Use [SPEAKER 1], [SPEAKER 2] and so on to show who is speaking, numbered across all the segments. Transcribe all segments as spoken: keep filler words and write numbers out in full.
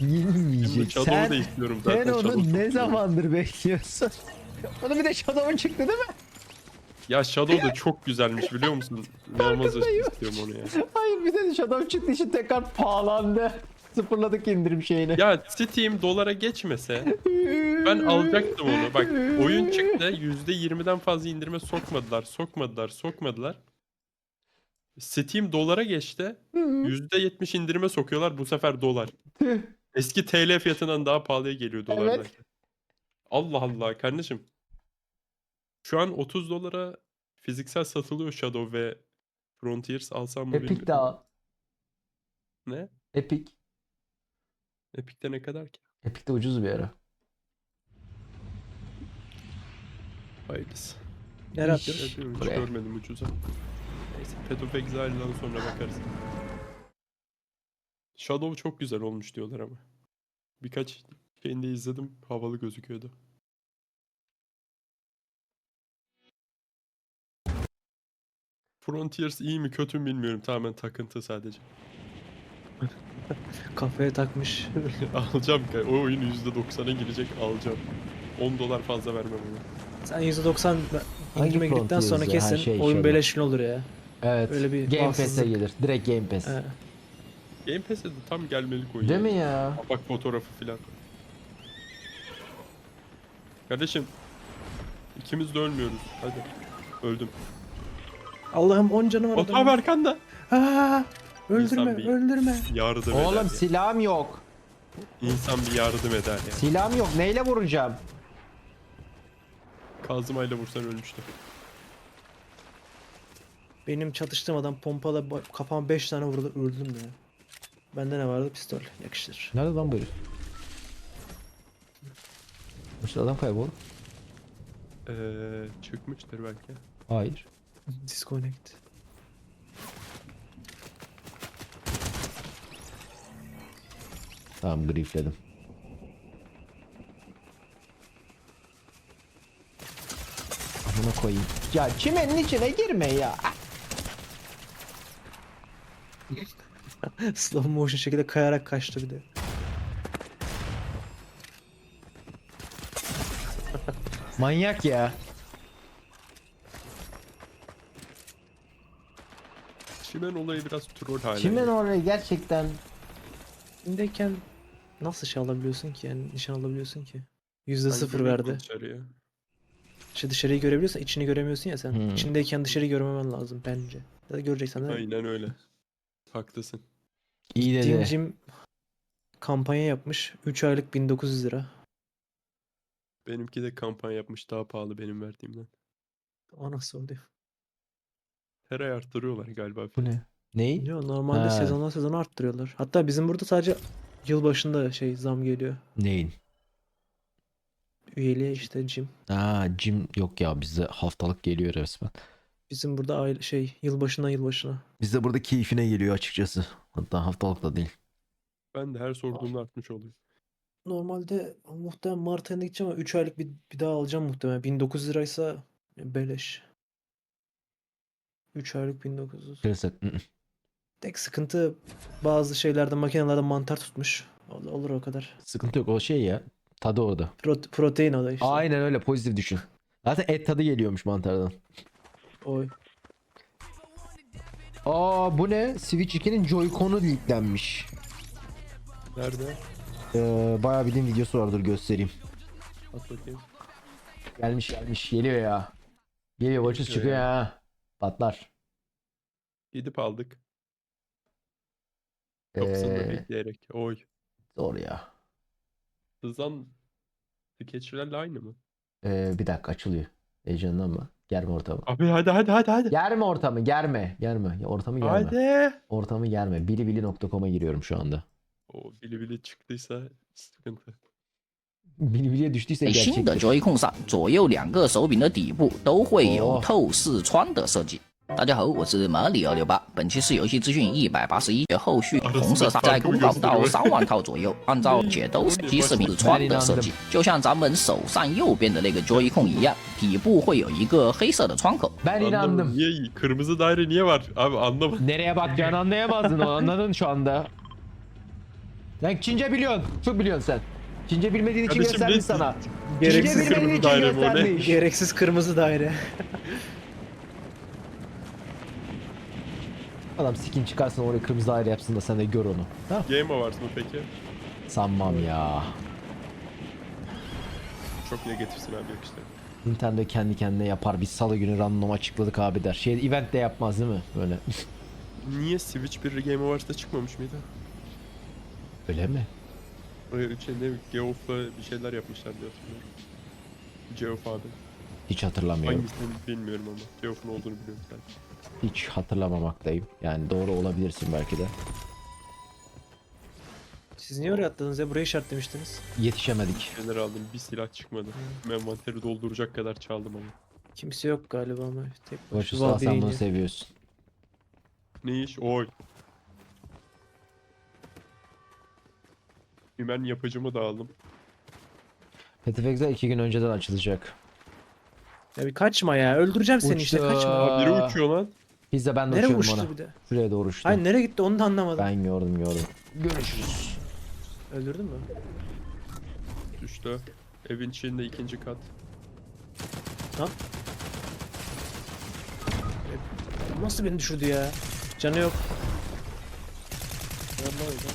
[SPEAKER 1] Yenilmeyecek.
[SPEAKER 2] Shadow'u
[SPEAKER 1] Sen,
[SPEAKER 2] da istiyorum zaten.
[SPEAKER 1] sen onu
[SPEAKER 2] Shadow
[SPEAKER 1] ne
[SPEAKER 2] çok
[SPEAKER 1] zamandır bekliyorsun? Onun bir de Shadow'un çıktı değil mi?
[SPEAKER 2] Ya Shadow da çok güzelmiş biliyor musun? İnanılmaz istiyorum onu ya.
[SPEAKER 1] Hayır, bir de Shadow çıktı için tekrar pahalandı. Sıfırladık indirim şeyini.
[SPEAKER 2] Ya Steam dolara geçmese ben alacaktım onu. Bak oyun çıktı yüzde yirmiden fazla indirime sokmadılar, sokmadılar, sokmadılar. Steam dolara geçti. yüzde yetmiş indirime sokuyorlar bu sefer dolar.
[SPEAKER 1] Tüh.
[SPEAKER 2] Eski T L fiyatından daha pahalıya geliyor dolardan.
[SPEAKER 1] Evet.
[SPEAKER 2] Allah Allah kardeşim. Şu an otuz dolara fiziksel satılıyor Shadow ve Frontiers alsam mı
[SPEAKER 1] Epic
[SPEAKER 2] bilmiyorum ama.
[SPEAKER 1] daha.
[SPEAKER 2] Ne?
[SPEAKER 1] Epic.
[SPEAKER 2] Epic'te ne kadar ki?
[SPEAKER 1] Epic de ucuz bir ara.
[SPEAKER 2] Hayırlısı.
[SPEAKER 3] Nereye
[SPEAKER 1] İş.
[SPEAKER 3] atıyoruz?
[SPEAKER 2] Ya diyorum, hiç
[SPEAKER 1] Buraya.
[SPEAKER 2] görmedim ucuza. Neyse Path of Exile'dan sonra bakarız. Shadow çok güzel olmuş diyorlar ama. Birkaç şeyini de izledim. Havalı gözüküyordu. Frontiers iyi mi kötü mü bilmiyorum. Tamamen takıntı sadece.
[SPEAKER 3] Kafaya takmış.
[SPEAKER 2] Alacağım. ka- O oyun yüzde doksana girecek alacağım. on dolar fazla vermem ona.
[SPEAKER 3] Sen yüzde doksan
[SPEAKER 1] Hangi
[SPEAKER 3] indirime girdikten
[SPEAKER 1] Frontiers
[SPEAKER 3] sonra
[SPEAKER 1] ya?
[SPEAKER 3] kesin
[SPEAKER 1] Ha, şey,
[SPEAKER 3] oyun
[SPEAKER 1] Shadow.
[SPEAKER 3] beleşin olur ya.
[SPEAKER 1] Evet.
[SPEAKER 3] Öyle bir
[SPEAKER 1] Game Pass'e
[SPEAKER 3] bahtsızlık.
[SPEAKER 1] gelir. Direkt Game Pass.
[SPEAKER 3] He.
[SPEAKER 2] Game Pass'e de tam gelmelik oyun.
[SPEAKER 1] Değil
[SPEAKER 2] ya.
[SPEAKER 1] mi ya?
[SPEAKER 2] Bak fotoğrafı filan. Kardeşim. ikimiz de ölmüyoruz. Hadi. Öldüm.
[SPEAKER 3] Allah'ım on canı var
[SPEAKER 2] Otam
[SPEAKER 3] adamın.
[SPEAKER 2] arkanda.
[SPEAKER 3] Aa, öldürme,
[SPEAKER 2] İnsan bir-
[SPEAKER 3] öldürme.
[SPEAKER 2] Yardım eder
[SPEAKER 1] Oğlum
[SPEAKER 2] ya.
[SPEAKER 1] silahım yok.
[SPEAKER 2] İnsan bir yardım eder ya.
[SPEAKER 1] Silahım yok. Neyle vuracağım?
[SPEAKER 2] Kazmayla vursan ölmüştü.
[SPEAKER 3] Benim çatıştığım adam pompala ba- kafama beş tane vurdu, öldüm ya. Bende ne vardı? Pistol. Yakıştır.
[SPEAKER 1] Nerede lan böyle? İşte adam kaybol.
[SPEAKER 2] Ee, çıkmıştır belki.
[SPEAKER 1] Hayır.
[SPEAKER 3] Disconnect.
[SPEAKER 1] Tamam, griefledim. Amına koyayım. Ya çimenin içine girme ya.
[SPEAKER 3] Slow motion şekilde kayarak kaçtı bir de.
[SPEAKER 1] Manyak ya.
[SPEAKER 2] Çimen olayı biraz troll hale.
[SPEAKER 1] Çimen
[SPEAKER 2] geldi.
[SPEAKER 1] orayı gerçekten
[SPEAKER 3] İndeyken nasıl şey alabiliyorsun ki yani nişan alabiliyorsun ki? Yüzde
[SPEAKER 2] Ben
[SPEAKER 3] sıfır
[SPEAKER 2] görüyorum
[SPEAKER 3] verdi.
[SPEAKER 2] dışarıya.
[SPEAKER 3] İşte dışarıyı görebiliyorsan içini göremiyorsun ya sen.
[SPEAKER 1] Hmm.
[SPEAKER 3] İçindeyken dışarıyı görmemen lazım bence. Ya da göreceksen de
[SPEAKER 2] Aynen öyle. Haklısın.
[SPEAKER 1] iyi
[SPEAKER 3] Jim
[SPEAKER 1] dedi.
[SPEAKER 3] Jim kampanya yapmış. üç aylık bin dokuz yüz lira.
[SPEAKER 2] Benimki de kampanya yapmış daha pahalı benim verdiğimden.
[SPEAKER 3] O nasıl oluyor?
[SPEAKER 2] Her ay arttırıyorlar galiba.
[SPEAKER 1] Bu
[SPEAKER 2] fiyatı.
[SPEAKER 1] ne? Ney?
[SPEAKER 3] Yo, normalde
[SPEAKER 1] Ha.
[SPEAKER 3] sezondan sezona arttırıyorlar. Hatta bizim burada sadece yıl başında şey zam geliyor.
[SPEAKER 1] Neyin?
[SPEAKER 3] Üyeliğe işte Jim.
[SPEAKER 1] Aa, Jim yok ya, bizde haftalık geliyor resmen.
[SPEAKER 3] Bizim burada aile şey yılbaşından yılbaşına.
[SPEAKER 1] Bizde burada keyfine geliyor açıkçası. Hatta haftalık da değil.
[SPEAKER 2] Ben de her sorduğumda artmış oluyor.
[SPEAKER 3] Normalde muhtemelen Mart ayında gideceğim ama üç aylık bir, bir daha alacağım muhtemelen. bin dokuz yüz liraysa beleş. üç aylık bin dokuz yüz.
[SPEAKER 1] Kırsak. ı-ı.
[SPEAKER 3] Tek sıkıntı bazı şeylerde makinelerde mantar tutmuş. Olur, olur o kadar.
[SPEAKER 1] Sıkıntı yok, o şey ya. Tadı orada.
[SPEAKER 3] Prote- protein o da işte.
[SPEAKER 1] Aynen öyle, pozitif düşün. Zaten et tadı geliyormuş mantardan.
[SPEAKER 3] Oy.
[SPEAKER 1] Aa, bu ne? Switch ikinin Joy-Con'u leaklenmiş.
[SPEAKER 2] Nerede?
[SPEAKER 1] Ee, bayağı bildiğin videosu vardır, göstereyim.
[SPEAKER 2] At bakayım.
[SPEAKER 1] Gelmiş gelmiş, geliyor ya. Geliyor, başız
[SPEAKER 2] Geliyor
[SPEAKER 1] çıkıyor
[SPEAKER 2] ya.
[SPEAKER 1] ya. Patlar.
[SPEAKER 2] Gidip aldık. Kapısında
[SPEAKER 1] Ee,
[SPEAKER 2] bekleyerek. Oy.
[SPEAKER 1] zor ya.
[SPEAKER 2] Hızlan skeçlerle aynı mı?
[SPEAKER 1] Ee, bir dakika, açılıyor. Heyecanlanma. Germe ortamı.
[SPEAKER 2] Abi hadi hadi hadi hadi.
[SPEAKER 1] Germe ortamı, germe. Germe. Ya, ortamı germe.
[SPEAKER 2] Hadi.
[SPEAKER 1] Ortamı germe. bilibili nokta com'a giriyorum şu anda.
[SPEAKER 2] O bili bili çıktıysa sıkıntı.
[SPEAKER 1] Bilibiliye düştüyse
[SPEAKER 4] 新的
[SPEAKER 1] gerçektir.
[SPEAKER 4] Joy-Con 上，左右两个手柄的底部都会有
[SPEAKER 1] 哦
[SPEAKER 4] 透视窗的设计。大家好，我是马里奥六八，本期是游戏资讯一百八十一，后续红色沙在公告到三万套左右，按照解都手机视频是窗的设计，就像咱们手上右边的那个 Joy-Con 一样，底部会有一个黑色的窗口。
[SPEAKER 1] Ben
[SPEAKER 2] Anlamadım.
[SPEAKER 1] inandım.
[SPEAKER 2] Niye iyi? Kırmızı daire niye var? Abi anlamadım.
[SPEAKER 1] Nereye bakacağını anlayamazdın, o anladın şu anda. Lan Çince biliyorsun. Çok biliyorsun sen. Çince bilmediğin için
[SPEAKER 2] Kardeşim
[SPEAKER 1] göstermiş
[SPEAKER 2] ne-
[SPEAKER 1] sana.
[SPEAKER 3] Gereksiz
[SPEAKER 1] Çince bilmediğin
[SPEAKER 2] kırmızı
[SPEAKER 1] için
[SPEAKER 2] daire mi o ne?
[SPEAKER 1] göstermiş.
[SPEAKER 3] Gereksiz kırmızı daire.
[SPEAKER 1] Adam skin çıkarsın oraya kırmızı daire yapsın da sen de gör onu. Ha?
[SPEAKER 2] Game Awards mı peki?
[SPEAKER 1] Sanmam ya.
[SPEAKER 2] Çok negatifsin abi yok işte.
[SPEAKER 1] Nintendo kendi kendine yapar. Biz salı günü random açıkladık abi der. Şey event de yapmaz değil mi? Böyle.
[SPEAKER 2] Niye Switch bir Game Awards'ta çıkmamış mıydı?
[SPEAKER 1] Öyle mi?
[SPEAKER 2] Öyle şey ne Geoff'la bir şeyler yapmışlar diye hatırlıyorum. Geoff abi.
[SPEAKER 1] Hiç hatırlamıyorum.
[SPEAKER 2] Hangisini bilmiyorum ama. Geoff'un olduğunu biliyorum sadece.
[SPEAKER 1] Hiç hatırlamamaktayım. Yani doğru olabilirsin belki de.
[SPEAKER 3] Siz niye oraya atladınız ya? Burayı işaretlemiştiniz.
[SPEAKER 1] Yetişemedik.
[SPEAKER 2] Şeyler aldım bir silah çıkmadı. Envanteri dolduracak kadar çaldım ama.
[SPEAKER 3] Kimse yok galiba ama. Tek başına.
[SPEAKER 1] Boşu sağ sen bunu seviyorsun.
[SPEAKER 2] Ne iş? Oy. Ben yapıcımı da aldım.
[SPEAKER 1] Petifex'e iki gün önceden açılacak.
[SPEAKER 3] Ya bir kaçma ya. Öldüreceğim seni işte
[SPEAKER 1] Uçtu.
[SPEAKER 3] kaçma.
[SPEAKER 2] Aa, biri
[SPEAKER 1] Aa.
[SPEAKER 2] uçuyor lan.
[SPEAKER 1] Biz de ben de
[SPEAKER 3] Nereye
[SPEAKER 1] uçuyordum
[SPEAKER 3] uçtu
[SPEAKER 1] ona.
[SPEAKER 3] bir de?
[SPEAKER 1] Şuraya doğru uçtu.
[SPEAKER 3] Hayır nereye gitti onu da anlamadım.
[SPEAKER 1] Ben gördüm gördüm. Görüşürüz.
[SPEAKER 3] Öldürdün mü?
[SPEAKER 2] Düştü. Evin içinde ikinci kat.
[SPEAKER 3] Lan. E, Nasıl beni düşürdü ya? Canı yok. Vallahi öyle.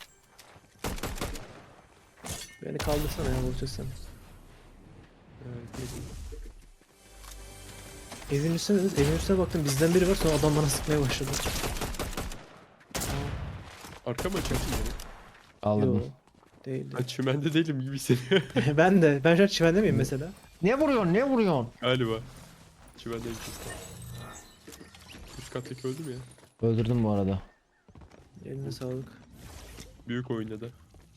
[SPEAKER 3] Beni kaldırsana ya Burçak sen.
[SPEAKER 2] Evet,
[SPEAKER 3] Evin üstüne, evin üstüne baktım bizden biri var sonra adam bana sıkmaya başladı.
[SPEAKER 2] arka mı açıyorsun beni?
[SPEAKER 1] Aldım.
[SPEAKER 3] Yo, değil.
[SPEAKER 2] Ben çimende değilim gibi hissediyorum.
[SPEAKER 3] Ben de. Ben şu an çimende miyim mesela?
[SPEAKER 1] Ne vuruyorsun ne vuruyorsun?
[SPEAKER 2] Galiba. Çimendeyim kesin. Üst kattaki öldü mü ya?
[SPEAKER 1] Öldürdüm bu arada.
[SPEAKER 3] Eline sağlık.
[SPEAKER 2] Büyük oynadı.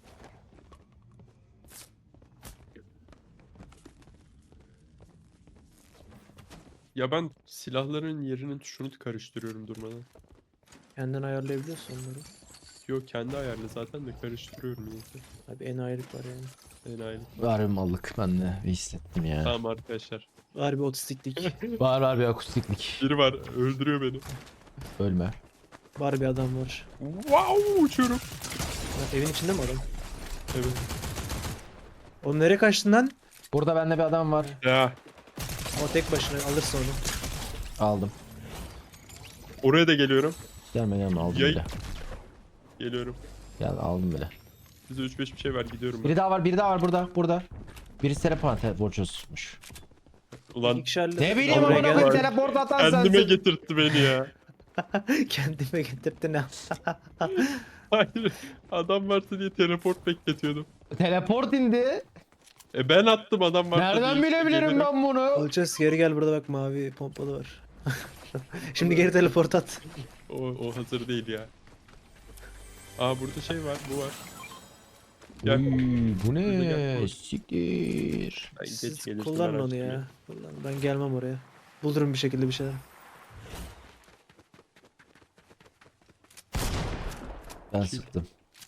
[SPEAKER 2] Ya ben silahların yerinin tuşunu karıştırıyorum durmadan.
[SPEAKER 3] Kendin ayarlayabiliyorsun onları.
[SPEAKER 2] Yok kendi ayarlı zaten de karıştırıyorum niyeyse.
[SPEAKER 3] Abi en ayrılık var yani.
[SPEAKER 2] Enayi.
[SPEAKER 1] Harbi mallık ben de bir hissettim ya.
[SPEAKER 2] Tamam arkadaşlar.
[SPEAKER 3] Harbi otistiklik.
[SPEAKER 1] Var var bir akustiklik.
[SPEAKER 2] Biri var öldürüyor beni.
[SPEAKER 1] Ölme.
[SPEAKER 3] Var bir adam var.
[SPEAKER 2] Wow uçuyorum.
[SPEAKER 3] Ha, evin içinde mi adam?
[SPEAKER 2] Evet.
[SPEAKER 3] Oğlum nereye kaçtın lan?
[SPEAKER 1] Burada bende bir adam var.
[SPEAKER 2] Ya
[SPEAKER 3] O tek başına alırsın onu.
[SPEAKER 1] Aldım.
[SPEAKER 2] oraya da geliyorum.
[SPEAKER 1] Gelme gelme aldım
[SPEAKER 2] Yay.
[SPEAKER 1] bile.
[SPEAKER 2] Geliyorum.
[SPEAKER 1] Gel aldım bile.
[SPEAKER 2] Bize üç beş bir şey ver gidiyorum ben.
[SPEAKER 1] Biri daha var biri daha var burada burada. Birisi teleport borçsuzmuş.
[SPEAKER 2] Ulan
[SPEAKER 3] İki kişilerle
[SPEAKER 1] Ne bileyim
[SPEAKER 3] Oraya
[SPEAKER 1] amına
[SPEAKER 3] gel.
[SPEAKER 1] koyayım teleport atan
[SPEAKER 2] kendime
[SPEAKER 1] sensin.
[SPEAKER 2] getirtti beni ya.
[SPEAKER 3] Kendime getirdi ne?
[SPEAKER 2] Hayır. Adam varsa diye teleport bekletiyordum.
[SPEAKER 1] Teleport indi.
[SPEAKER 2] E ben attım adam varsa
[SPEAKER 1] Nereden
[SPEAKER 2] diye.
[SPEAKER 1] bilebilirim
[SPEAKER 2] Gelirim.
[SPEAKER 1] ben bunu?
[SPEAKER 3] Olacağız geri gel burada bak mavi pompalı var. Şimdi geri teleport at.
[SPEAKER 2] O, o hazır değil ya. Aa burada şey var bu var. Gel.
[SPEAKER 1] Uy, bu
[SPEAKER 2] Burada
[SPEAKER 1] ne?
[SPEAKER 2] gel.
[SPEAKER 1] Siktir.
[SPEAKER 2] Ben geç
[SPEAKER 3] Siz
[SPEAKER 2] gelirsin,
[SPEAKER 3] kullanın
[SPEAKER 2] merak
[SPEAKER 3] onu
[SPEAKER 2] etme.
[SPEAKER 3] ya. Kullan. Ben gelmem oraya. Bulurum bir şekilde bir şeyler.
[SPEAKER 1] Ben sıktım.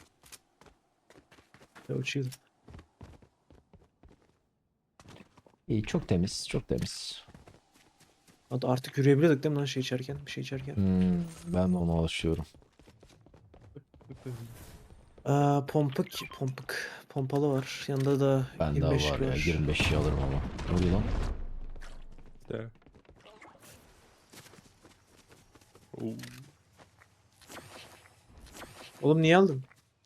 [SPEAKER 3] Ya uçuyorum.
[SPEAKER 1] İyi çok temiz çok temiz.
[SPEAKER 3] Hadi artık yürüyebiliyorduk değil mi lan şey içerken? Bir şey içerken.
[SPEAKER 1] Hmm, ben de ona alışıyorum.
[SPEAKER 3] Aa, pompuk, pompuk. Pompalı var. Yanında da
[SPEAKER 1] Ben
[SPEAKER 3] yirmi
[SPEAKER 1] daha
[SPEAKER 3] beş
[SPEAKER 1] var ya
[SPEAKER 3] var.
[SPEAKER 1] yirmi beşi alırım ama. Ne oluyor lan?
[SPEAKER 2] De. Oo.
[SPEAKER 3] Oğlum niye aldın?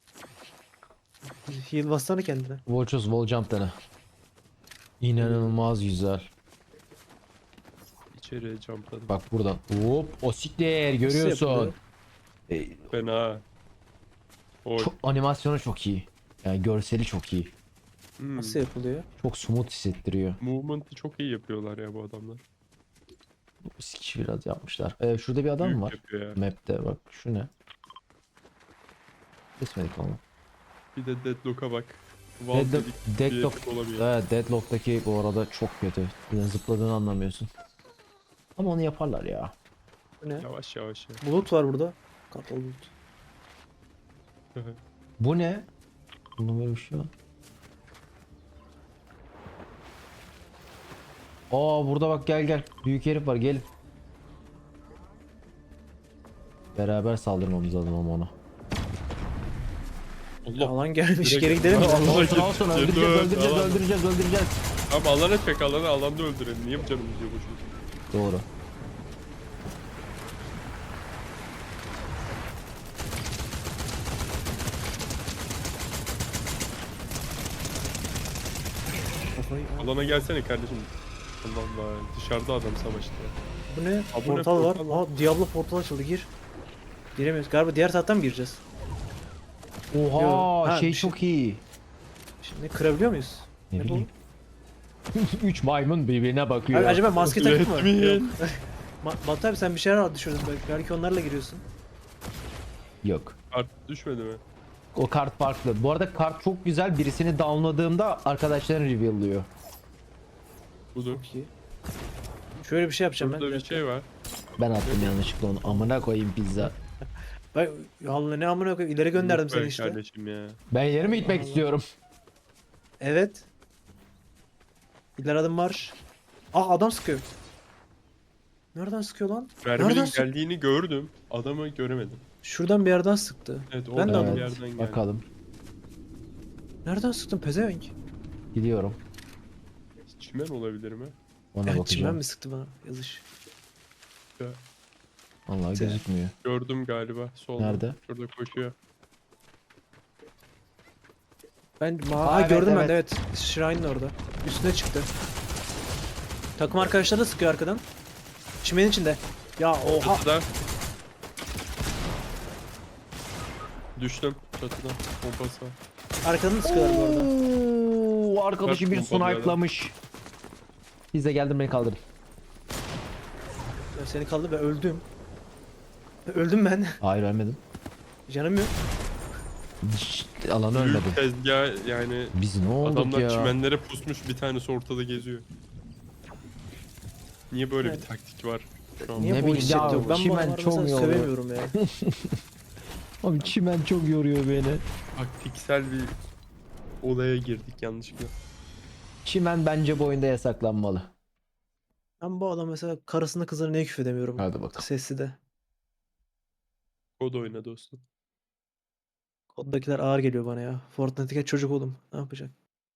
[SPEAKER 3] Heal bassana kendine.
[SPEAKER 1] Volchos wall jump dene. İnanılmaz güzel.
[SPEAKER 2] İçeriye jumpladım.
[SPEAKER 1] Bak buradan. Hop o siktir görüyorsun.
[SPEAKER 3] yapılıyor?
[SPEAKER 1] E,
[SPEAKER 2] Fena. Oy.
[SPEAKER 1] çok, animasyonu çok iyi. Yani görseli çok iyi.
[SPEAKER 2] Hmm.
[SPEAKER 3] Nasıl yapılıyor?
[SPEAKER 1] Çok smooth hissettiriyor.
[SPEAKER 2] Movement'ı çok iyi yapıyorlar ya bu adamlar.
[SPEAKER 1] Sikiş biraz yapmışlar. Ee, şurada bir adam
[SPEAKER 2] Büyük
[SPEAKER 1] var.
[SPEAKER 2] yapıyor ya.
[SPEAKER 1] Map'te bak şu ne? Kesmedik onu.
[SPEAKER 2] Bir de Deadlock'a bak. Valve
[SPEAKER 1] Deadlock,
[SPEAKER 2] dedik bir
[SPEAKER 1] Deadlock,
[SPEAKER 2] herif olamıyor.
[SPEAKER 1] evet, Deadlock'taki bu arada çok kötü. Yani zıpladığını anlamıyorsun. Ama onu yaparlar ya.
[SPEAKER 3] Bu ne?
[SPEAKER 2] Yavaş yavaş ya.
[SPEAKER 3] Bulut var burada. Kartal bulut.
[SPEAKER 1] Bu ne? Bunun böyle bir şey var. Aa burada bak gel gel. Büyük herif var gelin. Beraber saldırmamız lazım ama ona.
[SPEAKER 2] Allah.
[SPEAKER 3] Alan gelmiş.
[SPEAKER 2] Direkt-
[SPEAKER 3] Geri gidelim mi?
[SPEAKER 2] Allah.
[SPEAKER 1] Olsun olsun öldüreceğiz
[SPEAKER 2] Dur,
[SPEAKER 1] öldüreceğiz
[SPEAKER 2] alan.
[SPEAKER 1] öldüreceğiz öldüreceğiz.
[SPEAKER 2] Ama alana çek alanı alanda öldürelim. Niye bu canım gidiyor boşuna?
[SPEAKER 1] Doğru.
[SPEAKER 3] Kafayı al.
[SPEAKER 2] Alana gelsene kardeşim. Allah Allah. Dışarıda adam savaştı.
[SPEAKER 3] Bu ne?
[SPEAKER 2] Aa, bu ne?
[SPEAKER 3] Portal var.
[SPEAKER 2] Portal var.
[SPEAKER 3] Aa, Diablo portal açıldı. Gir. Giremiyoruz. Galiba diğer taraftan mı gireceğiz?
[SPEAKER 1] Oha
[SPEAKER 3] Yo, ha,
[SPEAKER 1] şey
[SPEAKER 3] bir şey-
[SPEAKER 1] çok iyi.
[SPEAKER 3] Şimdi kırabiliyor muyuz?
[SPEAKER 1] Ne
[SPEAKER 3] bu?
[SPEAKER 1] bileyim. Üç maymun birbirine bakıyor.
[SPEAKER 3] Abi, acaba maske takıp mı?
[SPEAKER 2] Let me
[SPEAKER 3] Yok.
[SPEAKER 2] in.
[SPEAKER 3] Ma Batu abi sen bir şeyler al düşürdün. Belki, belki onlarla giriyorsun.
[SPEAKER 1] Yok.
[SPEAKER 2] Kart düşmedi mi?
[SPEAKER 1] O kart farklı. Bu arada kart çok güzel. Birisini downladığımda arkadaşların reveal'lıyor.
[SPEAKER 2] Budur.
[SPEAKER 3] Çok iyi. Şöyle bir şey yapacağım ben.
[SPEAKER 2] Burada bir şey var.
[SPEAKER 1] Ben attım yanlışlıkla onu. Amına koyayım pizza.
[SPEAKER 3] Bak Allah ne amına koyayım ileri gönderdim
[SPEAKER 2] Yok
[SPEAKER 3] seni
[SPEAKER 2] be
[SPEAKER 3] işte.
[SPEAKER 2] Kardeşim ya.
[SPEAKER 1] Ben yerime gitmek istiyorum.
[SPEAKER 3] Evet. İleri adım marş. Aa adam sıkıyor. Nereden sıkıyor lan?
[SPEAKER 2] Merminin
[SPEAKER 3] Nereden sık-
[SPEAKER 2] geldiğini gördüm. Adamı göremedim.
[SPEAKER 3] Şuradan bir yerden sıktı.
[SPEAKER 2] Evet
[SPEAKER 3] Ben de
[SPEAKER 2] oradan
[SPEAKER 3] adam-
[SPEAKER 2] bir yerden geldi.
[SPEAKER 1] Bakalım.
[SPEAKER 3] Nereden sıktın pezevenk?
[SPEAKER 1] Gidiyorum.
[SPEAKER 2] Çimen olabilir mi?
[SPEAKER 1] Ona
[SPEAKER 3] Evet çimen
[SPEAKER 1] bakacağım.
[SPEAKER 3] mi sıktı bana yazış.
[SPEAKER 2] Ya,
[SPEAKER 1] Vallahi gözükmüyor.
[SPEAKER 2] gördüm galiba. Solda.
[SPEAKER 1] Nerede?
[SPEAKER 2] Şurada koşuyor.
[SPEAKER 3] Ben ma
[SPEAKER 1] Aa,
[SPEAKER 3] ha,
[SPEAKER 1] evet,
[SPEAKER 3] gördüm ben
[SPEAKER 1] evet.
[SPEAKER 3] de evet. Shrine'ın orada. Üstüne çıktı. Takım arkadaşları da sıkıyor arkadan. Çimenin içinde. Ya oha.
[SPEAKER 2] Çatıda. Düştüm çatıdan. Pompası var.
[SPEAKER 3] Arkadan da sıkıyorlar bu arada.
[SPEAKER 1] Oo, arkadaşı
[SPEAKER 2] Bak,
[SPEAKER 1] bir
[SPEAKER 2] pompalıyor adam.
[SPEAKER 1] snipe'lamış. Biz de geldim beni kaldırın.
[SPEAKER 3] Ya seni kaldı ben öldüm. Öldüm ben.
[SPEAKER 1] Hayır ölmedim.
[SPEAKER 3] Canım yok.
[SPEAKER 1] Şşt, alanı ölmedim.
[SPEAKER 2] Büyük tezgah yani
[SPEAKER 1] Biz ne olduk
[SPEAKER 2] adamlar
[SPEAKER 1] ya?
[SPEAKER 2] çimenlere pusmuş bir tanesi ortada geziyor. Niye böyle
[SPEAKER 3] Evet.
[SPEAKER 2] bir taktik var şu an?
[SPEAKER 3] Niye
[SPEAKER 1] Ne
[SPEAKER 3] bu
[SPEAKER 1] bileyim ya,
[SPEAKER 3] hissettiriyor? Ben bu
[SPEAKER 1] çimen
[SPEAKER 3] adamları
[SPEAKER 1] çok
[SPEAKER 3] mesela
[SPEAKER 1] yoruyor.
[SPEAKER 3] sövemiyorum ya.
[SPEAKER 1] Abi çimen çok yoruyor beni.
[SPEAKER 2] Taktiksel bir olaya girdik yanlışlıkla.
[SPEAKER 1] Çimen bence bu oyunda yasaklanmalı.
[SPEAKER 3] Ben bu adam mesela karısına kızına niye küfredemiyorum?
[SPEAKER 1] Hadi bakalım.
[SPEAKER 3] Sesli de.
[SPEAKER 2] Kod oyna dostum.
[SPEAKER 3] Koddakiler ağır geliyor bana ya. Fortnite'deki çocuk oğlum. Ne yapacak?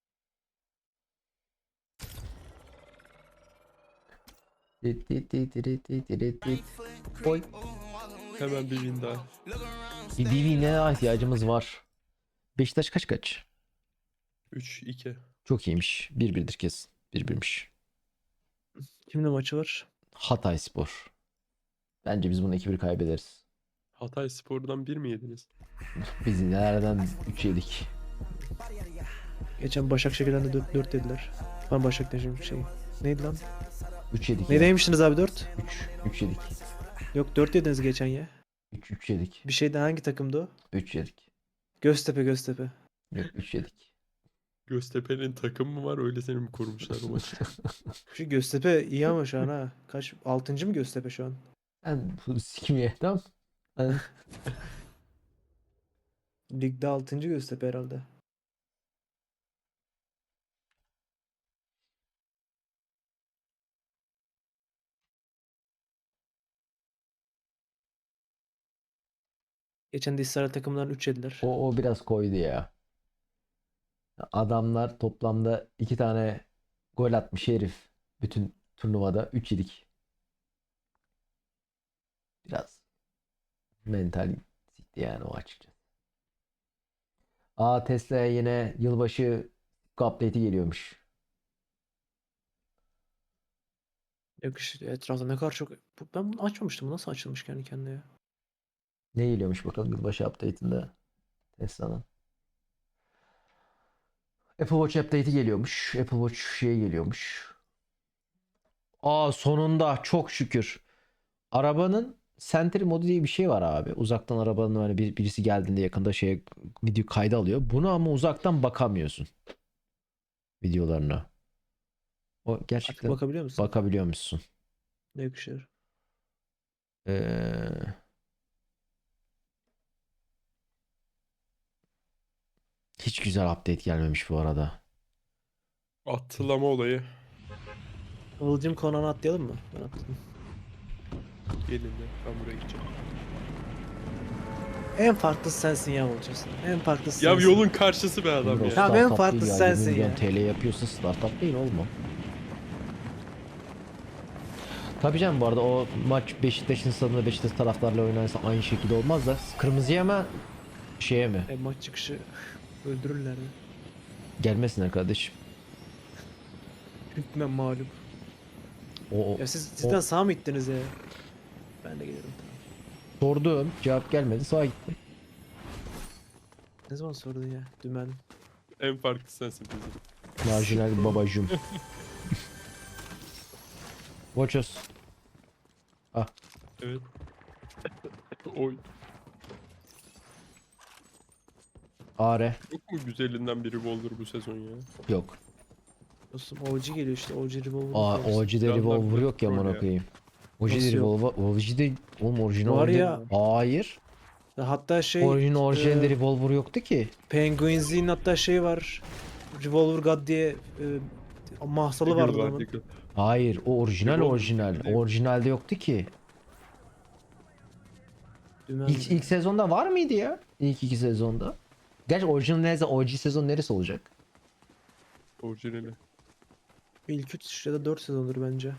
[SPEAKER 1] Dit dit dit dit dit dit dit. Oy.
[SPEAKER 2] Hemen bir win daha.
[SPEAKER 1] Bir B B'ne ihtiyacımız var. Beşiktaş kaç kaç?
[SPEAKER 2] üç iki.
[SPEAKER 1] Çok iyiymiş. bir birdir kesin. bir birmiş.
[SPEAKER 3] Kimle maçı var?
[SPEAKER 1] Hatayspor. Bence biz bunu iki bir kaybederiz.
[SPEAKER 2] Hatay Spor'dan bir mi yediniz?
[SPEAKER 1] Biz nereden üç yedik?
[SPEAKER 3] Geçen Başakşehir'den de dört dört dediler. Ben Başakşehir'in şey. Neydi lan?
[SPEAKER 1] üç yedik.
[SPEAKER 3] Ne
[SPEAKER 1] ya.
[SPEAKER 3] demiştiniz abi dört?
[SPEAKER 1] üç. üç yedik.
[SPEAKER 3] Yok dört dediniz geçen ya.
[SPEAKER 1] üç üç yedik.
[SPEAKER 3] Bir şeyden hangi takımdı o?
[SPEAKER 1] üç yedik.
[SPEAKER 3] Göztepe Göztepe.
[SPEAKER 1] Yok üç yedik.
[SPEAKER 2] Göztepe'nin takım mı var öyle seni mi kurmuşlar o maçı?
[SPEAKER 3] Şu Göztepe iyi ama şu an ha. Kaç? Altıncı mı Göztepe şu an?
[SPEAKER 1] Ben bu sikimeye tamam. Ben-
[SPEAKER 3] Ligde altıncı Göztepe herhalde. Geçen de İsrail takımlarından üç yediler.
[SPEAKER 1] O, o biraz koydu ya. Adamlar toplamda iki tane gol atmış herif. Bütün turnuvada üç yedik. Biraz mental sikti yani o açıkçası. Aa Tesla'ya yine yılbaşı update'i geliyormuş.
[SPEAKER 3] Yok işte etrafta ne kadar çok... Bu- Ben bunu açmamıştım. Bu nasıl açılmış kendi kendine ya?
[SPEAKER 1] Ne geliyormuş bakalım yılbaşı update'inde Tesla'nın. Apple Watch update'i geliyormuş. Apple Watch şey geliyormuş. Aa sonunda çok şükür. Arabanın Sentry modu diye bir şey var abi. Uzaktan arabanın böyle bir, birisi geldiğinde yakında şeye video kaydı alıyor. Bunu ama uzaktan bakamıyorsun. Videolarına. O
[SPEAKER 3] Artık
[SPEAKER 1] gerçekten
[SPEAKER 3] bakabiliyor musun?
[SPEAKER 1] bakabiliyor musun?
[SPEAKER 3] Ne yakışır?
[SPEAKER 1] Ee, hiç güzel update gelmemiş bu arada.
[SPEAKER 2] Atlama olayı.
[SPEAKER 3] Kıvılcım Konan'ı atlayalım mı? Ben atladım.
[SPEAKER 2] Gelin de ben buraya gideceğim.
[SPEAKER 3] En farklısı sensin ya olacaksın. En farklısı
[SPEAKER 2] Ya
[SPEAKER 3] sensin.
[SPEAKER 2] yolun karşısı be adam
[SPEAKER 1] Emre, o
[SPEAKER 2] ya.
[SPEAKER 3] Tamam, en
[SPEAKER 1] startup
[SPEAKER 3] farklısı
[SPEAKER 1] değil ya.
[SPEAKER 3] sensin
[SPEAKER 1] yirmi milyon
[SPEAKER 3] ya.
[SPEAKER 1] T L yapıyorsa startup değil oğlum o. Tabii canım, bu arada o maç Beşiktaş'ın stadında Beşiktaş taraftarla oynanırsa aynı şekilde olmaz da kırmızıya mı şeye mi?
[SPEAKER 3] E, maç çıkışı öldürürler ya.
[SPEAKER 1] Gelmesinler kardeşim.
[SPEAKER 3] Hükmen mağlup.
[SPEAKER 1] O, o
[SPEAKER 3] Ya siz cidden
[SPEAKER 1] o-
[SPEAKER 3] sağ mı gittiniz ya? Ben de gelirim.
[SPEAKER 1] sordum, cevap gelmedi, sağa gittim.
[SPEAKER 3] Ne zaman sordun ya? Dümen.
[SPEAKER 2] En farklı sensin bizim.
[SPEAKER 1] Marjinal babacım. Watch us.
[SPEAKER 2] Evet. Oy.
[SPEAKER 1] Are.
[SPEAKER 2] Yok mu güzelinden bir revolver bu sezon ya?
[SPEAKER 1] Yok.
[SPEAKER 3] Dostum O G geliyor işte. O G Revolver.
[SPEAKER 1] Aa,
[SPEAKER 3] Force.
[SPEAKER 1] O G'de
[SPEAKER 2] Silahlar
[SPEAKER 1] revolver
[SPEAKER 2] bile
[SPEAKER 1] yok ya,
[SPEAKER 2] troll
[SPEAKER 1] amına
[SPEAKER 2] ya.
[SPEAKER 1] koyayım. O G'de
[SPEAKER 3] Nasıl yok?
[SPEAKER 1] revolver, O G'de oğlum orijinal
[SPEAKER 3] Var
[SPEAKER 1] oyunda-
[SPEAKER 3] ya.
[SPEAKER 1] Hayır.
[SPEAKER 3] Ya hatta şey
[SPEAKER 1] Orijinal orijinalde
[SPEAKER 3] e,
[SPEAKER 1] revolver yoktu ki.
[SPEAKER 3] Penguins'in hatta şey var. Revolver God diye e, mahsalı vardı
[SPEAKER 2] Diggle var,
[SPEAKER 3] adamın.
[SPEAKER 2] Diggle.
[SPEAKER 1] Hayır, o orijinal
[SPEAKER 2] Revolver
[SPEAKER 1] orijinal.
[SPEAKER 2] değil.
[SPEAKER 1] Orijinalde yoktu ki.
[SPEAKER 3] Dümen.
[SPEAKER 1] İlk, ilk sezonda var mıydı ya? İlk iki sezonda. Gerçi orijinal neresi? O G sezon neresi olacak?
[SPEAKER 2] Orijinali.
[SPEAKER 3] İlk üç ya da dört sezondur bence.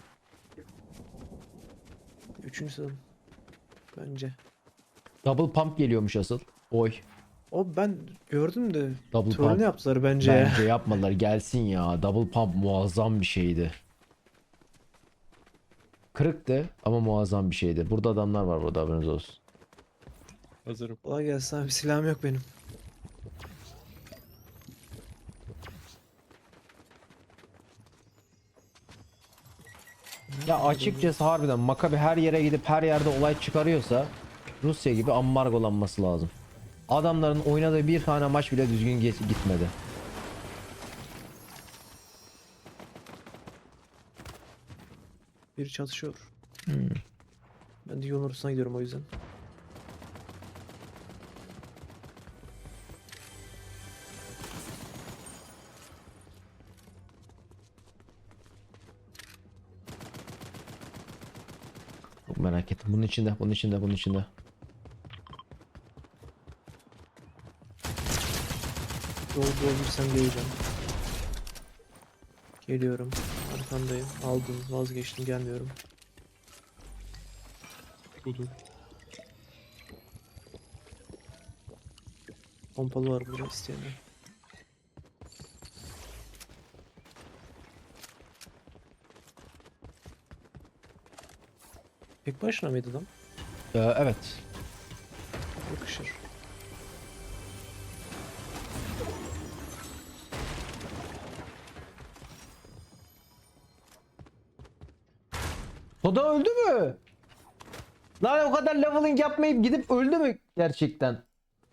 [SPEAKER 3] Üçüncü sezon. Bence.
[SPEAKER 1] Double pump geliyormuş asıl. Oy.
[SPEAKER 3] O ben gördüm de
[SPEAKER 1] Double
[SPEAKER 3] trollünü
[SPEAKER 1] pump.
[SPEAKER 3] yaptılar bence. ya.
[SPEAKER 1] Bence yapmadılar. Gelsin ya. Double pump muazzam bir şeydi. Kırıktı ama muazzam bir şeydi. Burada adamlar var, burada haberiniz olsun.
[SPEAKER 2] Hazırım.
[SPEAKER 3] Kolay gelsin abi, silahım yok benim.
[SPEAKER 1] Ya açıkçası harbiden Makabi her yere gidip her yerde olay çıkarıyorsa Rusya gibi ambargolanması lazım. Adamların oynadığı bir tane maç bile düzgün geç- gitmedi.
[SPEAKER 3] Biri çatışıyor.
[SPEAKER 1] Hmm.
[SPEAKER 3] Ben de yolun ortasına gidiyorum o yüzden.
[SPEAKER 1] Çok merak ettim. Bunun içinde, bunun içinde, bunun içinde.
[SPEAKER 3] Yol bulabilirsem geleceğim. Geliyorum. Arkandayım. Aldım. Vazgeçtim. Gelmiyorum.
[SPEAKER 2] Budur.
[SPEAKER 3] Pompalı var burada isteyenler. Tek başına mıydı adam?
[SPEAKER 1] Ee, evet.
[SPEAKER 3] Yakışır.
[SPEAKER 1] Soda öldü mü? Lan o kadar leveling yapmayıp gidip öldü mü gerçekten?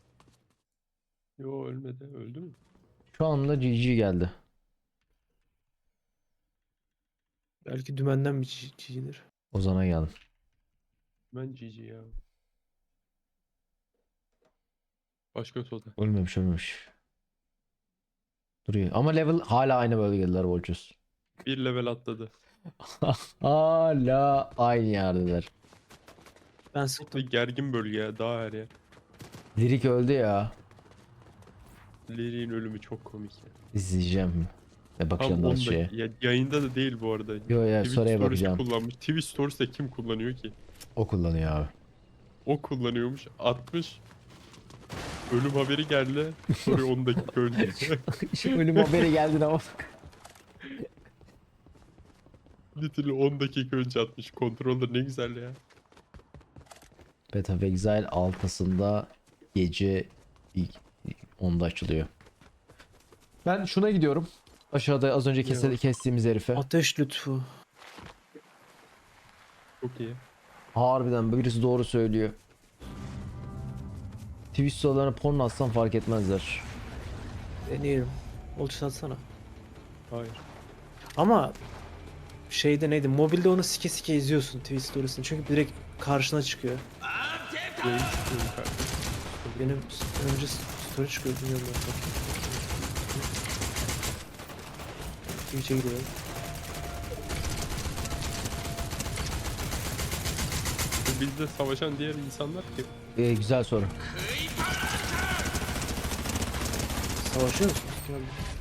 [SPEAKER 2] Yo ölmedi. Öldü mü?
[SPEAKER 1] Şu anda G G geldi.
[SPEAKER 3] Belki dümenden bir çi- çiğdir.
[SPEAKER 1] Ozan'a geldim.
[SPEAKER 2] Ben G G ya. Başka soda.
[SPEAKER 1] Ölmemiş, ölmemiş. Duruyor. Ama level hala aynı bölgedeler Volchus.
[SPEAKER 2] Bir level atladı.
[SPEAKER 1] Hala aynı yerdeler.
[SPEAKER 3] Ben
[SPEAKER 2] Ve
[SPEAKER 3] sıktım.
[SPEAKER 2] gergin bölge ya. Daha her yer.
[SPEAKER 1] Lirik öldü ya.
[SPEAKER 2] Lirik'in ölümü çok komik ya.
[SPEAKER 1] İzleyeceğim. Ve
[SPEAKER 2] Tam
[SPEAKER 1] bakacağım daha
[SPEAKER 2] on
[SPEAKER 1] şeye.
[SPEAKER 2] dakika. Ya, yayında da değil bu arada.
[SPEAKER 1] Yo ya,
[SPEAKER 2] Twitch
[SPEAKER 1] sonraya
[SPEAKER 2] Stories'i
[SPEAKER 1] bakacağım.
[SPEAKER 2] kullanmış. Twitch Stories'te kim kullanıyor ki?
[SPEAKER 1] O kullanıyor abi.
[SPEAKER 2] O kullanıyormuş. Atmış. Ölüm haberi geldi. Sonra on dakika önce.
[SPEAKER 1] Şimdi ölüm haberi geldi ama.
[SPEAKER 2] Literally on dakika önce atmış. Controller ne güzel ya.
[SPEAKER 1] Path of Exile altısında gece ilk onda açılıyor. Ben şuna gidiyorum. Aşağıda az önce kese-
[SPEAKER 2] Yok.
[SPEAKER 1] kestiğimiz herife.
[SPEAKER 3] Ateş lütfu.
[SPEAKER 2] Çok iyi.
[SPEAKER 1] Harbiden birisi doğru söylüyor. Twitch sorularına porno atsam fark etmezler.
[SPEAKER 3] Deneyelim. Olçu satsana.
[SPEAKER 2] Hayır.
[SPEAKER 3] Ama şeyde neydi? Mobilde onu sike sike izliyorsun Twitch stories'ini. Çünkü direkt karşına çıkıyor.
[SPEAKER 2] Yayın çıkıyorum kardeşim.
[SPEAKER 3] Benim s- önce s- story çıkıyor, bilmiyorum ben. Twitch'e gidiyorum.
[SPEAKER 2] bizde savaşan diğer insanlar ki?
[SPEAKER 1] Ee, güzel soru.
[SPEAKER 3] Savaşıyor musunuz? Kim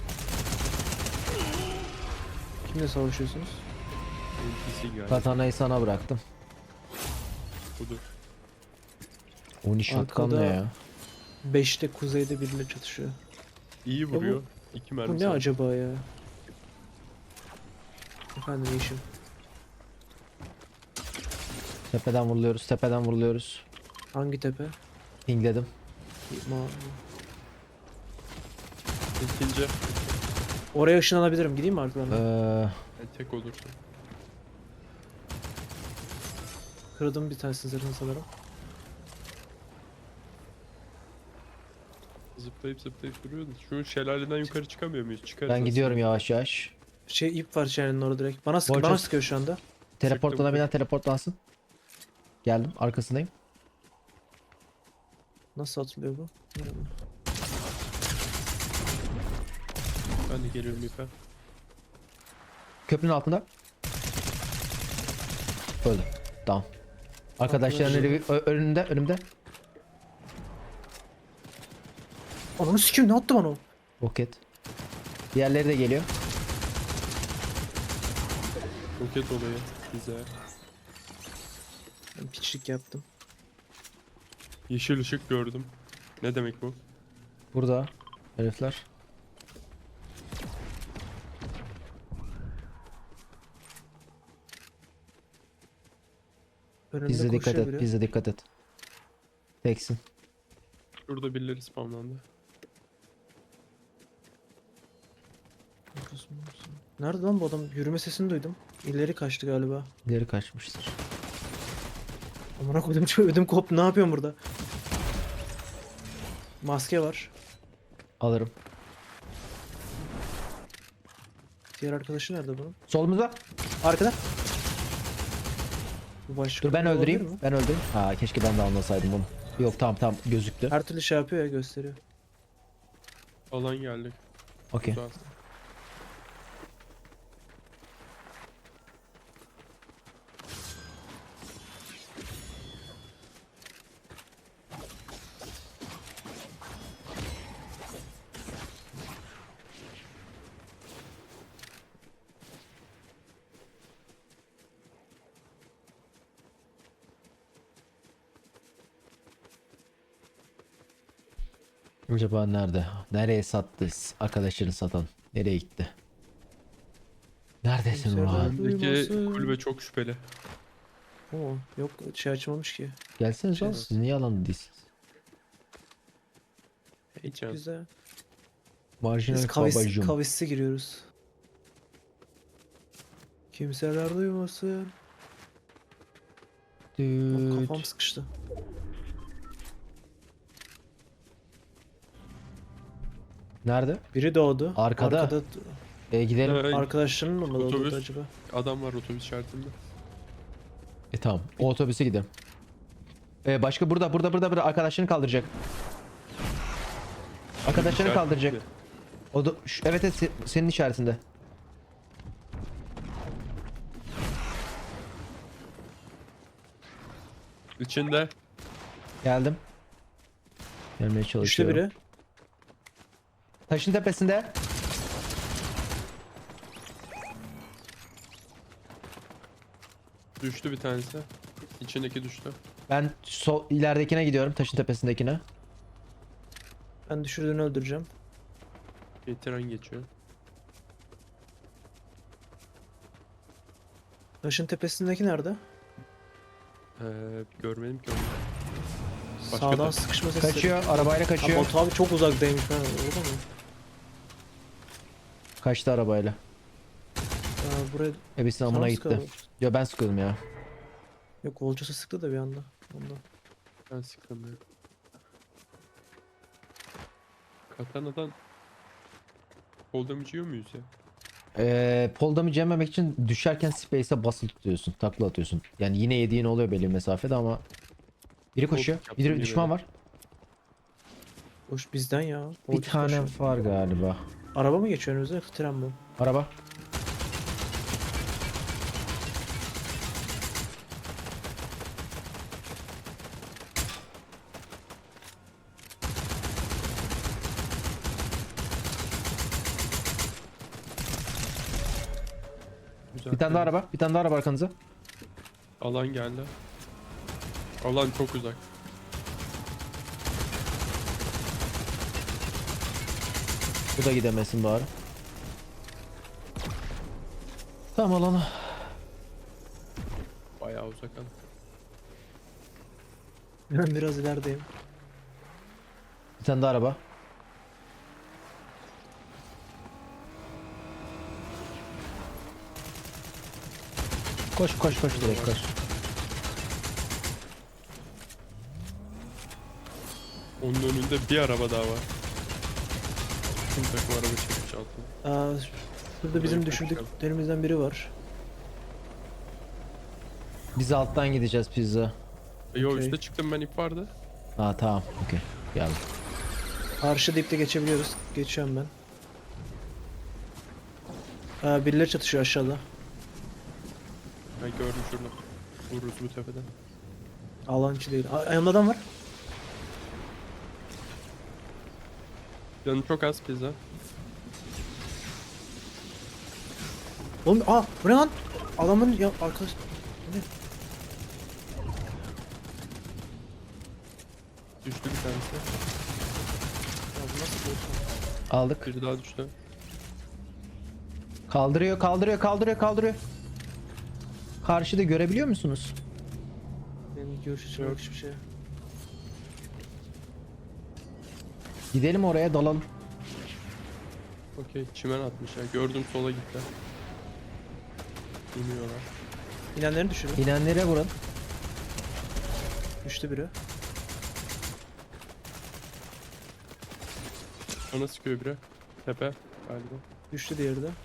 [SPEAKER 3] Kimle savaşıyorsunuz?
[SPEAKER 2] N P C galiba.
[SPEAKER 1] Katana'yı sana bıraktım.
[SPEAKER 2] Budur.
[SPEAKER 1] Oni shotgun
[SPEAKER 3] Arkada-
[SPEAKER 1] ne ya?
[SPEAKER 3] beşte kuzeyde biriyle çatışıyor.
[SPEAKER 2] İyi vuruyor. İki mermi.
[SPEAKER 3] Bu ne
[SPEAKER 2] sadece.
[SPEAKER 3] acaba ya? Efendim işim.
[SPEAKER 1] Tepeden vuruluyoruz, tepeden vuruluyoruz.
[SPEAKER 3] Hangi tepe?
[SPEAKER 1] Pingledim.
[SPEAKER 3] Ma
[SPEAKER 2] İkinci.
[SPEAKER 3] Oraya ışınlanabilirim. Gideyim mi arkadan?
[SPEAKER 1] Ee,
[SPEAKER 2] Yani tek olursun.
[SPEAKER 3] Kırdım bir tanesini zırhını sanırım.
[SPEAKER 2] Zıplayıp zıplayıp duruyordu. Şu şelaleden yukarı çıkamıyor muyuz? Çıkarız
[SPEAKER 1] ben
[SPEAKER 2] aslında.
[SPEAKER 1] gidiyorum yavaş yavaş.
[SPEAKER 3] Şey ip var çenenin orada direkt. Bana sık
[SPEAKER 1] Bolca-
[SPEAKER 3] bana sıkıyor şu anda.
[SPEAKER 1] Teleportlanabilen teleportlansın. Geldim, arkasındayım.
[SPEAKER 3] Nasıl atılıyor bu? Bilmiyorum.
[SPEAKER 2] Ben de geliyorum ipe.
[SPEAKER 1] Köprünün altında. Öldü. Tamam. Arkadaşların
[SPEAKER 3] Arkadaşlar-
[SPEAKER 1] eli- ö- önünde, önümde.
[SPEAKER 3] Ananı sikeyim, ne attı bana o?
[SPEAKER 1] Roket. Diğerleri de geliyor.
[SPEAKER 2] Roket olayı. Güzel.
[SPEAKER 3] Ben piçlik yaptım.
[SPEAKER 2] Yeşil ışık gördüm. Ne demek bu?
[SPEAKER 1] Burada herifler.
[SPEAKER 3] Önümde
[SPEAKER 1] Bize dikkat
[SPEAKER 3] koşuyor
[SPEAKER 1] et,
[SPEAKER 3] biri.
[SPEAKER 1] bize dikkat et. Teksin.
[SPEAKER 2] Şurada birileri spamlandı.
[SPEAKER 3] Nerede lan bu adam? Yürüme sesini duydum. İleri kaçtı galiba.
[SPEAKER 1] İleri kaçmıştır.
[SPEAKER 3] Amına koydum, çok ödüm koptu. Ne yapıyorum burada? Maske var.
[SPEAKER 1] Alırım.
[SPEAKER 3] Diğer arkadaşı nerede bunun?
[SPEAKER 1] Solumuzda.
[SPEAKER 3] Arkada. Bu başka
[SPEAKER 1] Dur ben
[SPEAKER 3] biri olabilir
[SPEAKER 1] öldüreyim.
[SPEAKER 3] mi?
[SPEAKER 1] Ben öldüreyim. Ha keşke ben de anlasaydım bunu. Yok tamam tamam gözüktü.
[SPEAKER 3] Her türlü şey yapıyor ya, gösteriyor.
[SPEAKER 2] Alan geldi.
[SPEAKER 1] Okey.
[SPEAKER 2] Güzel.
[SPEAKER 1] Acaba nerede? Nereye sattı arkadaşını satan? Nereye gitti? Neredesin
[SPEAKER 3] Kimse
[SPEAKER 1] Orhan?
[SPEAKER 3] nerede?
[SPEAKER 2] Buradaki
[SPEAKER 3] Duymasın.
[SPEAKER 2] kulübe çok şüpheli.
[SPEAKER 3] Oo, yok şey açmamış ki.
[SPEAKER 1] Gelseniz
[SPEAKER 3] Şey-
[SPEAKER 1] lan siz niye alanda değilsiniz?
[SPEAKER 2] Heyecan.
[SPEAKER 3] Güzel.
[SPEAKER 1] Marjinal
[SPEAKER 3] Biz kavis,
[SPEAKER 1] babacım.
[SPEAKER 3] kavisse giriyoruz. Kimseler duymasın. Of,
[SPEAKER 1] Düt.
[SPEAKER 3] kafam sıkıştı.
[SPEAKER 1] Nerede?
[SPEAKER 3] Biri doğdu.
[SPEAKER 1] Arkada.
[SPEAKER 3] Arkada
[SPEAKER 1] E gidelim.
[SPEAKER 2] Ee,
[SPEAKER 3] arkadaşlarının mı doğdu
[SPEAKER 2] Otobüs.
[SPEAKER 3] acaba?
[SPEAKER 2] Adam var otobüs şartında.
[SPEAKER 1] E tamam. O otobüse gidelim. E başka burada burada burada burada arkadaşlarını kaldıracak. Arkadaşlarını
[SPEAKER 2] İşaret
[SPEAKER 1] kaldıracak.
[SPEAKER 2] bitti.
[SPEAKER 1] O da şu- evet evet se- senin işaretinde.
[SPEAKER 2] İçinde.
[SPEAKER 1] Geldim. Gelmeye
[SPEAKER 3] Düştü
[SPEAKER 1] çalışıyorum.
[SPEAKER 3] biri.
[SPEAKER 1] Taşın tepesinde.
[SPEAKER 2] Düştü bir tanesi. İçindeki düştü.
[SPEAKER 1] Ben sol ileridekine gidiyorum. Taşın tepesindekine.
[SPEAKER 3] Ben düşürdüğünü öldüreceğim.
[SPEAKER 2] Bir tren geçiyor.
[SPEAKER 3] Taşın tepesindeki nerede?
[SPEAKER 2] Ee, görmedim ki onu. Başka
[SPEAKER 3] Sağdan
[SPEAKER 2] da-
[SPEAKER 3] sıkışma sesleri.
[SPEAKER 1] Kaçıyor. Arabayla
[SPEAKER 3] Abi
[SPEAKER 1] kaçıyor.
[SPEAKER 3] Batu abi çok uzaktaymış. Ben orada mı?
[SPEAKER 1] Kaçtı arabayla.
[SPEAKER 3] Aa, buraya
[SPEAKER 1] Ebesinin
[SPEAKER 3] sana
[SPEAKER 1] amına
[SPEAKER 3] mı
[SPEAKER 1] gitti.
[SPEAKER 3] sıkıyor?
[SPEAKER 1] Ya ben sıkıyordum ya.
[SPEAKER 3] Yok, Volcas'a sıktı da bir anda. Ondan.
[SPEAKER 2] Ben sıkamıyorum. Katana'dan kol damage yiyor muyuz ya?
[SPEAKER 1] Ee, pole damage yememek için düşerken space'e basılı tutuyorsun. Takla atıyorsun. Yani yine yediğin oluyor belli bir mesafede ama biri koşuyor.
[SPEAKER 2] yaptım
[SPEAKER 1] Bir
[SPEAKER 2] yine
[SPEAKER 1] düşman
[SPEAKER 2] de.
[SPEAKER 1] var.
[SPEAKER 3] Hoş bizden ya.
[SPEAKER 1] Bir
[SPEAKER 3] Volcas
[SPEAKER 1] tane
[SPEAKER 3] koşuyor.
[SPEAKER 1] var galiba.
[SPEAKER 3] Araba mı geçiyor önümüzde, yoksa tren mi?
[SPEAKER 1] Araba.
[SPEAKER 2] Güzel.
[SPEAKER 1] Bir tane daha araba. Bir tane daha araba arkanıza.
[SPEAKER 2] Alan geldi. Alan çok uzak.
[SPEAKER 1] Bu da gidemesin bari. Tamam alanı.
[SPEAKER 2] Bayağı uzak alan.
[SPEAKER 3] Ben biraz ilerideyim.
[SPEAKER 1] Bir tane daha araba. Koş koş koş direkt koş.
[SPEAKER 2] Onun önünde bir araba daha var. Tüm takım araba çekmiş altına.
[SPEAKER 3] Aa, şurada bizim
[SPEAKER 2] Buraya
[SPEAKER 3] düşürdüklerimizden biri var.
[SPEAKER 1] Biz alttan gideceğiz pizza.
[SPEAKER 2] E, Yo
[SPEAKER 3] Okey.
[SPEAKER 2] üstte çıktım ben, ip vardı.
[SPEAKER 1] Ha tamam okey geldim.
[SPEAKER 3] Karşı dipte geçebiliyoruz. Geçiyorum ben. Aa, birileri çatışıyor aşağıda.
[SPEAKER 2] Ben gördüm şurada. Vururuz bu tepeden.
[SPEAKER 3] Alan içi değil. Aa, yanımda adam var.
[SPEAKER 2] Canım çok az pizza.
[SPEAKER 3] Oğlum aa bu ne lan? Adamın ya arkadaş. Bu ne?
[SPEAKER 2] Düştü bir tanesi.
[SPEAKER 3] Ya bu nasıl bir
[SPEAKER 1] Aldık.
[SPEAKER 2] Biri daha düştü.
[SPEAKER 1] Kaldırıyor kaldırıyor kaldırıyor kaldırıyor. Karşıda görebiliyor musunuz?
[SPEAKER 3] Benim görüş açım yok hiçbir şey.
[SPEAKER 1] Gidelim oraya dalalım.
[SPEAKER 2] Okey, çimen atmış ya. Gördüm, sola gitti. İniyorlar.
[SPEAKER 3] İnenlerini düşürün.
[SPEAKER 1] İnenlere vurun.
[SPEAKER 3] Düştü biri.
[SPEAKER 2] Ona sıkıyor biri. Tepe galiba.
[SPEAKER 3] Düştü diğeri de.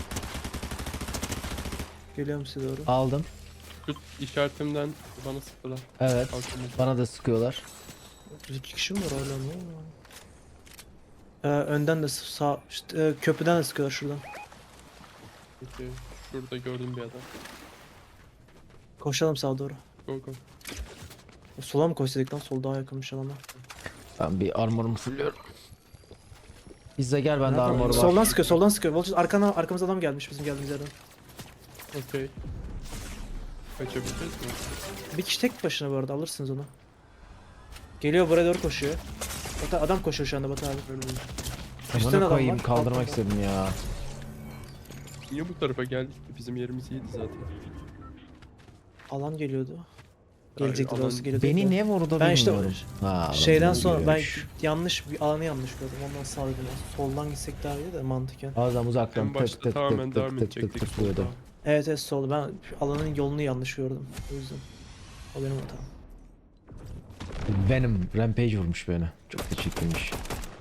[SPEAKER 3] Geliyorum size doğru.
[SPEAKER 1] Aldım.
[SPEAKER 2] Şu işaretimden bana sıktılar.
[SPEAKER 1] Evet.
[SPEAKER 2] Kalkınmış.
[SPEAKER 1] Bana da sıkıyorlar.
[SPEAKER 3] İki kişi mi var hala, ne oluyor? Ee, önden de sağ, işte, e, köprüden de sıkıyorlar şuradan.
[SPEAKER 2] Okey. Şurada gördüm bir adam.
[SPEAKER 3] Koşalım sağa doğru.
[SPEAKER 2] Go go.
[SPEAKER 3] Sola mı koşsaydık lan? Sol daha yakınmış alana.
[SPEAKER 1] Ben bir armorumu fulluyorum. Pizza gel bende
[SPEAKER 3] Nerede?
[SPEAKER 1] armor var.
[SPEAKER 3] Soldan sıkıyor, soldan sıkıyor. Volchus arkana, arkamıza adam gelmiş bizim geldiğimiz yerden.
[SPEAKER 2] Okey. Kaçabileceğiz mi?
[SPEAKER 3] Bir kişi tek başına bu arada, alırsınız onu. Geliyor, buraya doğru koşuyor. Batu, adam koşuyor şu anda Batu abi. Üstten
[SPEAKER 1] Amına
[SPEAKER 3] adam
[SPEAKER 1] koyayım
[SPEAKER 3] var,
[SPEAKER 1] kaldırmak
[SPEAKER 3] alttan
[SPEAKER 1] istedim ya.
[SPEAKER 2] Niye bu tarafa geldik ki? Bizim yerimiz iyiydi zaten.
[SPEAKER 3] Alan geliyordu.
[SPEAKER 2] Ay,
[SPEAKER 3] Gelecekti
[SPEAKER 2] alan-
[SPEAKER 3] orası geliyordu.
[SPEAKER 1] Beni
[SPEAKER 3] da.
[SPEAKER 1] ne vurdu
[SPEAKER 3] Ben işte
[SPEAKER 1] bilmiyorum. Ha, adam
[SPEAKER 3] Şeyden
[SPEAKER 1] beni
[SPEAKER 3] sonra ben
[SPEAKER 1] görüyormuş.
[SPEAKER 3] yanlış bir alanı yanlış gördüm. Ondan sağa döndüm. Soldan gitsek daha iyi de mantıken.
[SPEAKER 1] Adam uzaktan
[SPEAKER 2] En
[SPEAKER 1] tık
[SPEAKER 2] başta
[SPEAKER 1] tık
[SPEAKER 2] tamamen
[SPEAKER 1] tık
[SPEAKER 2] devam
[SPEAKER 1] tık tık tık
[SPEAKER 2] edecektik.
[SPEAKER 1] tık tıklıyordu.
[SPEAKER 2] solda.
[SPEAKER 3] Evet evet solda. Ben alanın yolunu yanlış gördüm. O yüzden. O benim hatam.
[SPEAKER 1] Venom Rampage vurmuş beni. Çok teşekkürmüş.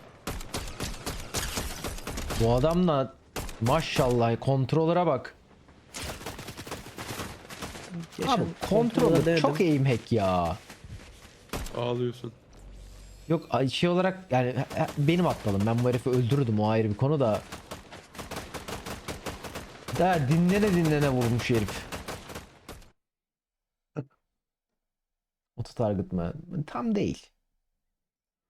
[SPEAKER 1] Bu adamla maşallah kontrolöre bak.
[SPEAKER 3] Geçen
[SPEAKER 1] Abi
[SPEAKER 3] kontrolde
[SPEAKER 1] kontrolör
[SPEAKER 3] denedim.
[SPEAKER 1] çok aim hack ya.
[SPEAKER 2] Ağlıyorsun.
[SPEAKER 1] Yok ay- şey olarak yani he- he- benim aptalım. Ben bu herifi öldürürdüm, o ayrı bir konu da. Daha dinlene dinlene vurmuş herif. Auto target mı? Tam değil.